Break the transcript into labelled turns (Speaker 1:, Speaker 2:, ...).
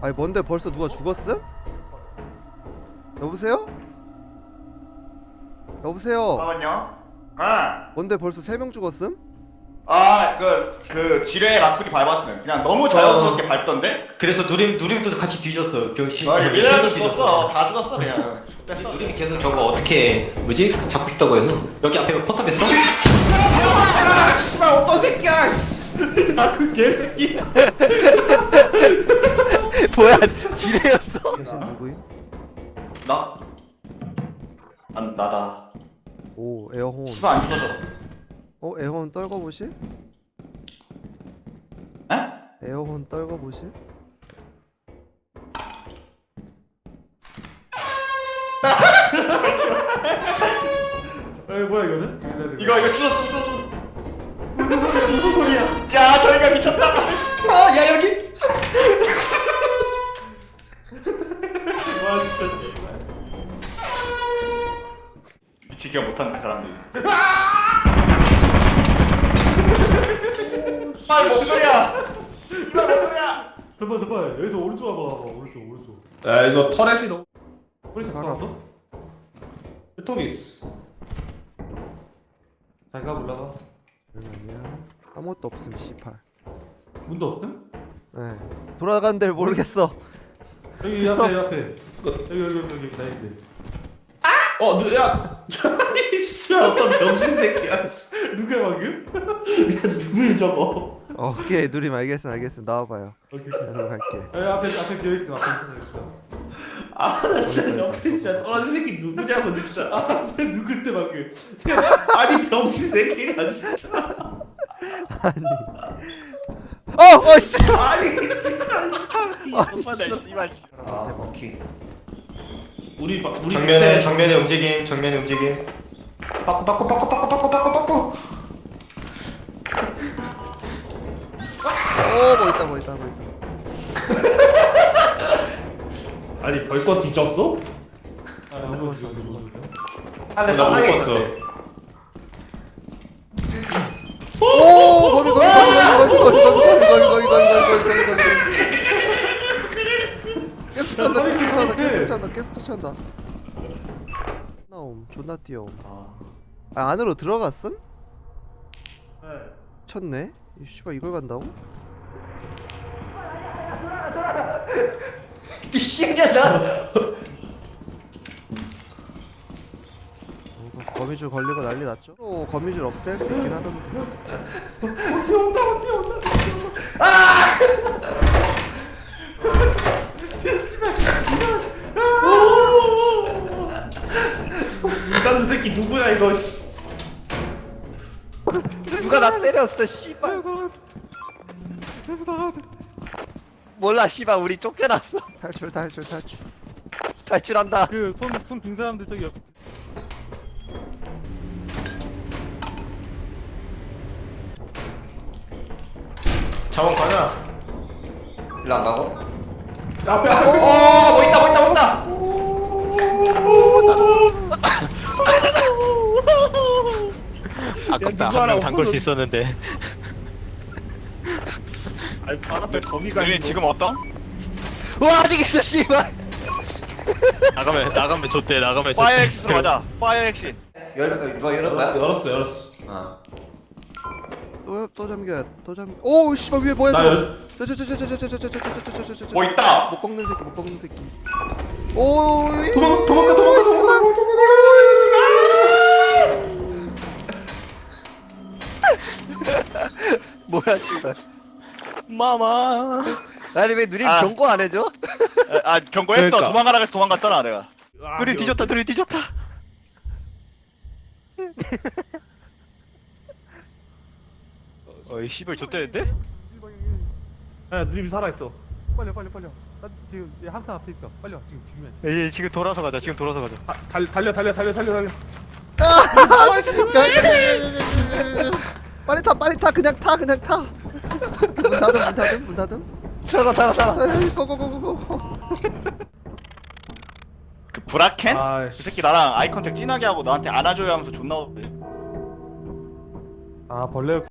Speaker 1: 아니 뭔데 벌써 누가 죽었음? 여보세요? 여보세요?
Speaker 2: 잠깐만요. 아,
Speaker 1: 뭔데 벌써 3명 죽었음?
Speaker 2: 그 지뢰 라쿨이 밟았음. 그냥 너무 자연스럽게 밟던데?
Speaker 3: 그래서 누림도 같이 뒤졌어. 병신.
Speaker 2: 얘네도 죽었어. 다 죽었어 그냥. 뺐어.
Speaker 3: 누림이 계속 저거 어떻게 뭐지? 잡고 싶다고 해서 여기 앞에 포탑 있어?
Speaker 2: 씨발 어떤 새끼야. 그 개새끼.
Speaker 4: 뭐야 지뢰였어?
Speaker 1: 대신 누구임?
Speaker 2: 나? 나다.
Speaker 1: 오 에어혼.
Speaker 2: 씨발 안 죽어져.
Speaker 1: 에어혼 떨궈보실?
Speaker 2: 에?
Speaker 1: 에어혼 떨궈보실?
Speaker 5: 뭐야 이거는?
Speaker 2: 이거 쭈. 무슨 소리야? 야 저희가 미쳤다.
Speaker 3: 야 여기.
Speaker 2: 와 진짜. 미치기가 못한다 사람들이. 아이 뭔 소리야? 이거 뭔 소리야?
Speaker 5: 잠깐 여기서 오른쪽 와봐 오른쪽
Speaker 6: 야 이거 터렛이 너무
Speaker 5: 뿌리 잡았어?
Speaker 6: 토미스.
Speaker 5: 자기가 올라가
Speaker 1: 아니야 아무것도 없음 씨팔.
Speaker 5: 문도 없음?
Speaker 1: 네 돌아가는 데를 모르겠어.
Speaker 5: 여기 앞에 여기 나인데
Speaker 6: 야, 아니 씨발 어떤 병신 새끼야.
Speaker 5: 누구야 방금?
Speaker 6: 누구야 저거?
Speaker 1: 오케이 누림 알겠음 나와봐요.
Speaker 5: 오케이
Speaker 1: 여기로 갈게.
Speaker 5: 여기 앞에 비어있음 앞에 있어
Speaker 6: 나 진짜 옆에 진짜 떨어진 새끼 누구냐고 진짜.
Speaker 5: 앞에 누군데 방금
Speaker 6: 아니 병신 새끼야 진짜.
Speaker 1: 씨.
Speaker 6: 아니.
Speaker 2: 오빠다 씨발.
Speaker 3: 아 오케이.
Speaker 6: 우리
Speaker 3: 정면에 움직임. 빠꾸.
Speaker 1: 뭐 있다.
Speaker 6: 아니 벌써 뒤졌어?
Speaker 5: 안 죽었어
Speaker 3: 안에
Speaker 6: 나 못
Speaker 3: 사망에
Speaker 6: 봤어.
Speaker 3: 있었대.
Speaker 1: 오 거미. 계속 터치한다. 나옴 존나 뛰어옴. 안으로 들어갔음?
Speaker 5: 네
Speaker 1: 쳤네? 이 씨발 이걸 간다고?
Speaker 4: 미친년아.
Speaker 1: 거미줄 걸리고 난리 났죠? 또 거미줄 없앨 수 있긴 하던데.
Speaker 6: 인간 새끼 누구야 이거? 씨.
Speaker 4: 누가 나 때렸어 씨발. 몰라 씨발 우리 쫓겨났어.
Speaker 1: 탈출.
Speaker 4: 탈출한다.
Speaker 5: 그손 빈 사람들 저기
Speaker 3: 자원 가자. 일로 안 가고?
Speaker 6: 앞에.
Speaker 3: 뭐 있다.
Speaker 5: 아깝다 한 명 잠글 수
Speaker 7: 있었는데.
Speaker 6: 아니 발 앞에 거미가
Speaker 2: 우리
Speaker 6: 있는
Speaker 2: 지금 어떤?
Speaker 4: 와 아직 있어 씨발.
Speaker 7: 나가면 좋대.
Speaker 2: 파이어 엑시스로 가자. 파이어 엑시.
Speaker 4: 누가 열은 거야?
Speaker 6: 열었어.
Speaker 3: 아.
Speaker 1: 또 잠겨. 오 씨발 위에 뭐야
Speaker 6: 나
Speaker 1: 저거.
Speaker 6: 열.
Speaker 2: 뭐 있다.
Speaker 1: 못 꺾는 새끼. 오
Speaker 6: 도망가.
Speaker 4: 뭐야 씨발.
Speaker 7: 마마.
Speaker 4: 아니 왜 누님
Speaker 2: 아.
Speaker 4: 경고 안 해줘?
Speaker 2: 경고했어.
Speaker 6: 그러니까.
Speaker 2: 도망가라 그래서 도망갔잖아 내가.
Speaker 5: 둘이 뒤졌다
Speaker 7: 어이 씨발 좆대는데?
Speaker 5: 야 누님이 살아있어 빨리 나 지금 항상 앞에 있어 빨리 와 지금
Speaker 7: 지금 돌아서 가자.
Speaker 5: 달려
Speaker 1: 빨리 타 그냥 타. 문 닫음.
Speaker 4: 살아.
Speaker 1: 고고고고고.
Speaker 2: 그 브라켄?
Speaker 5: 아
Speaker 2: 그 새끼 나랑 아이 컨택 진하게 하고 나한테 안아줘야 하면서 존나.
Speaker 5: 아 벌레